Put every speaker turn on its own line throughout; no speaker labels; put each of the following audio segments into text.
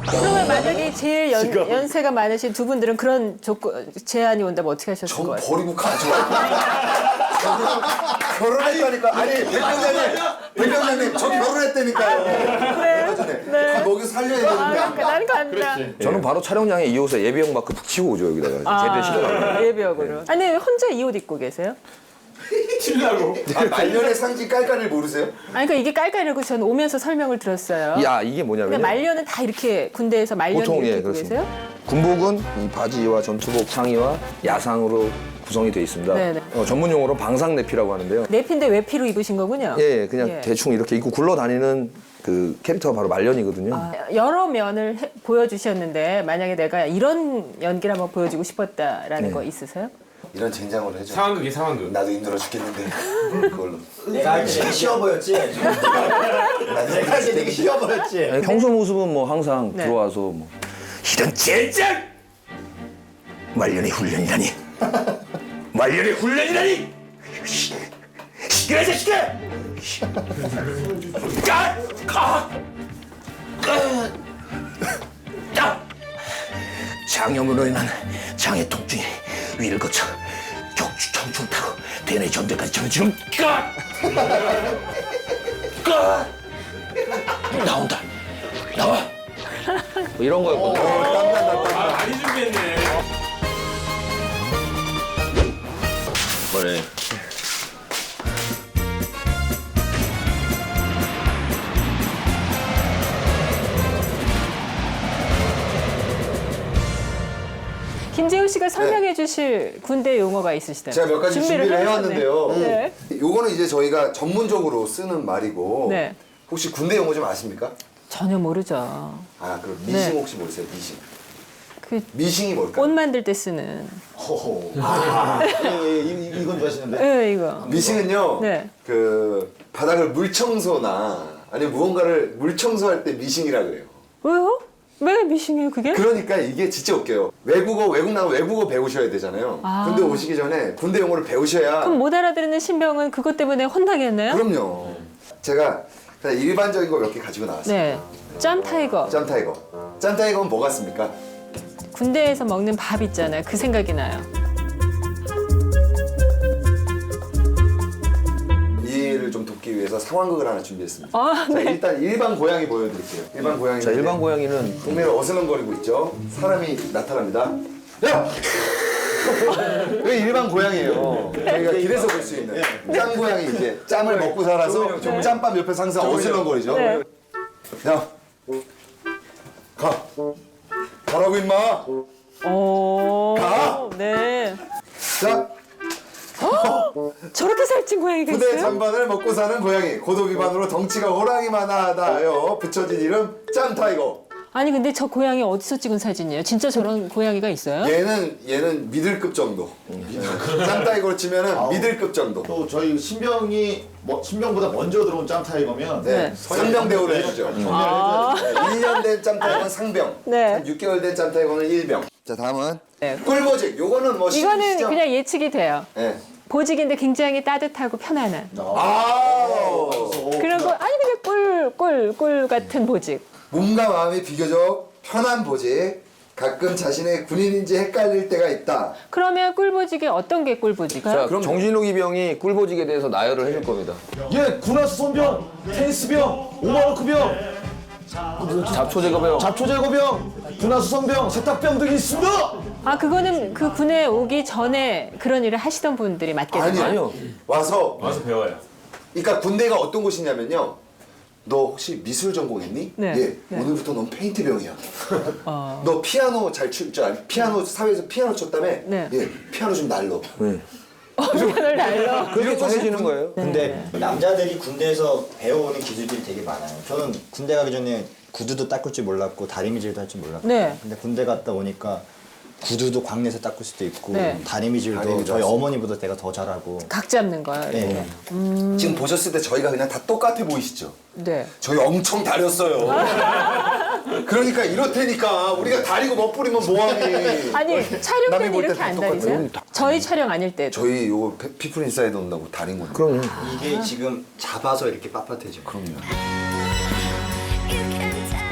그러면 만약에 제일 연세가 많으신 두 분들은 그런 제안이 온다면 어떻게 하셨을
전
거예요?
버리고 가죠. 결혼했다니까. 아니 대표장님 저 결혼했다니까요.
그래요? 네.
거기 살려야 되는데.
그러니까 나는 간다.
저는 바로 촬영장에 이 옷에 예비역 마크 푹 치고 오죠 여기다가 제대로 시켜가지고.
예비역으로. 아니 혼자 이 옷 입고 계세요?
튀려고.
말년의 상징 깔깔을 모르세요?
아니 그러니까 이게 깔깔이라고 저는 오면서 설명을 들었어요.
야 이게 뭐냐면
근데 말년은 다 이렇게 군대에서 말년
보통
이렇게
예
입고
그렇습니다.
계세요?
군복은 이 바지와 전투복 상의와 야상으로 구성이 되어 있습니다.
네네.
전문 용어로 방상내피라고 하는데요.
내피인데 외피로 입으신 거군요.
예, 그냥
예.
대충 이렇게 입고 굴러다니는 그 캐릭터가 바로 말년이거든요.
여러 면을 보여주셨는데 만약에 내가 이런 연기를 한번 보여주고 싶었다라는 거 있으세요?
이런 젠장으로 해줘.
상황극이 상황극.
나도 힘들어 죽겠는데 그걸로.
내가 할 때 되게 쉬워 보였지? 내가 할 때 되게 쉬워 보였지?
아니, 평소 모습은 뭐 항상
네.
들어와서 뭐 이런 젠장! 말년의 훈련이라니! 말년의 훈련이라니! 시끄러 이 자식아! 장염으로 인한 장의 통증이 위를 거쳐 격추 청춘 타고 대뇌 전대까지 전해지는 나온다 나와 뭐 이런 거였거든요.
아, 많이 준비했네.
그래.
김재우 씨가 설명해 주실 군대 용어가 있으시다면
제가 몇 가지 준비를 해왔는데요.
네.
요거는 이제 저희가 전문적으로 쓰는 말이고
네.
혹시 군대 용어 좀 아십니까?
전혀 모르죠.
아 그럼 미싱
네.
혹시 모르세요? 미싱.
그
미싱이 뭘까요?
옷 만들 때 쓰는.
호호. 이건 좋아하시는데?
네, 이거.
미싱은요.
네.
그 바닥을 물 청소나 아니면 무언가를 물 청소할 때 미싱이라 그래요.
왜요? 왜 미싱이에요 그게?
그러니까 이게 진짜 웃겨요. 외국 나가면 외국어 배우셔야 되잖아요. 군대 오시기 전에 군대 용어를 배우셔야.
그럼 못 알아듣는 신병은 그것 때문에 혼나겠네요?
그럼요. 제가 그냥 일반적인 거 몇 개 가지고 나왔어요.
네. 짬 타이거.
짬타이거. 짬타이거는 뭐 같습니까?
군대에서 먹는 밥 있잖아요. 그 생각이 나요.
이해를 좀 돕기 위해서 상황극을 하나 준비했습니다.
아,
자,
네.
일단 일반 고양이 보여드릴게요. 일반 고양이.
자 일반 고양이는
동네를 어슬렁거리고 있죠. 사람이 나타납니다. 야! 여기 일반 고양이에요. 저희가 길에서 볼 수 있는 짱 고양이 이제 짬을 먹고 살아서 짬밥 옆에 항상 어슬렁거리죠.
네.
야, 가. 가라고 임마.
오.
가!
네.
자,
저렇게 살찐 고양이가
부대
있어요?
잔반을 먹고 사는 고양이. 고도 비반으로 덩치가 호랑이만하다요. 붙여진 이름 짬타이거.
아니 근데 저 고양이 어디서 찍은 사진이에요? 진짜 저런 고양이가 있어요?
얘는 미들급 정도. 짬타이거로 치면은 미들급 정도.
또 저희 신병이 신병보다 먼저 들어온 짬타이거면
네.
네.
상병 대우를 해주죠.
아.
1년 된 짬타이거는 상병.
네.
한 6개월 된 짬타이거는 1병. 자, 다음은
네.
꿀보직. 요거는 뭐
이거는
시죠?
그냥 예측이 돼요.
네.
보직인데 굉장히 따뜻하고 편안한.
아.
그런 거 아니 그냥 꿀 같은 보직.
몸과 마음이 비교적 편한 보직. 가끔 자신의 군인인지 헷갈릴 때가 있다.
그러면 꿀보직이 어떤 게 꿀보직이에요?
자 정진욱 이병이 꿀보직에 대해서 나열을 해줄 겁니다.
예, 군화수 손병, 테니스병, 오마르크병,
잡초제거병.
잡초제거병, 군화수 선병, 세탁병 등이 있습니다.
아 그거는 그 군에 오기 전에 그런 일을 하시던 분들이 맞겠네요.
아니요.
와서
배워요.
그러니까 군대가 어떤 곳이냐면요. 너 혹시 미술 전공했니?
네.
예.
네.
오늘부터 넌 페인트병이야. 너 피아노 잘 칠 줄 알? 피아노 사회에서 피아노 쳤다며?
네.
예. 피아노 좀 날러.
네.
편을 날려.
그렇게 정해지는 거예요.
근데 남자들이 군대에서 배워오는 기술들이 되게 많아요. 저는 군대 가기 전에 구두도 닦을 줄 몰랐고 다리미질도 할 줄 몰랐고.
네.
근데 군대 갔다 오니까 구두도 광내에서 닦을 수도 있고
네.
다리미질도
다리미도
저희
할 수
어머니보다 내가 더 잘하고.
각 잡는 거예요. 이렇게.
네.
지금 보셨을 때 저희가 그냥 다 똑같아 보이시죠?
네.
저희 엄청 다렸어요. 그러니까 이렇다니까 우리가 다리고 멋부리면 뭐하니?
아니 촬영
남이
때는
볼
이렇게
때
안
다
다니세요? 저희 촬영 아닐 때도.
저희 요거 피플 인사이드 온다고 다린 거예요.
그럼요.
이게 지금 잡아서 이렇게 빳빳해져.
그럼요.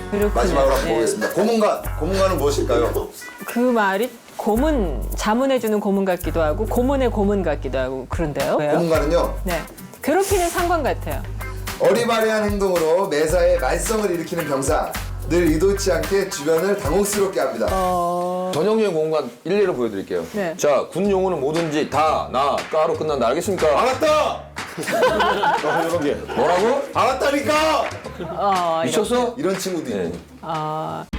그렇군요.
마지막으로 한번
네.
보겠습니다. 고문관은 무엇일까요?
그 말이 고문, 자문해주는 고문 같기도 하고 고문의 고문 같기도 하고 그런데요. 왜요?
고문관은요,
네. 괴롭히는 상관 같아요.
어리바리한 행동으로 매사에 말썽을 일으키는 병사. 늘 의도치 않게 주변을 당혹스럽게 합니다.
전형적인 공간 일례로 보여드릴게요.
네.
자, 군 용어는 뭐든지 다, 나, 까로 끝난다. 알겠습니까?
알았다!
뭐라고?
알았다니까!
이런.
미쳤어?
이런 친구도 있고.
아,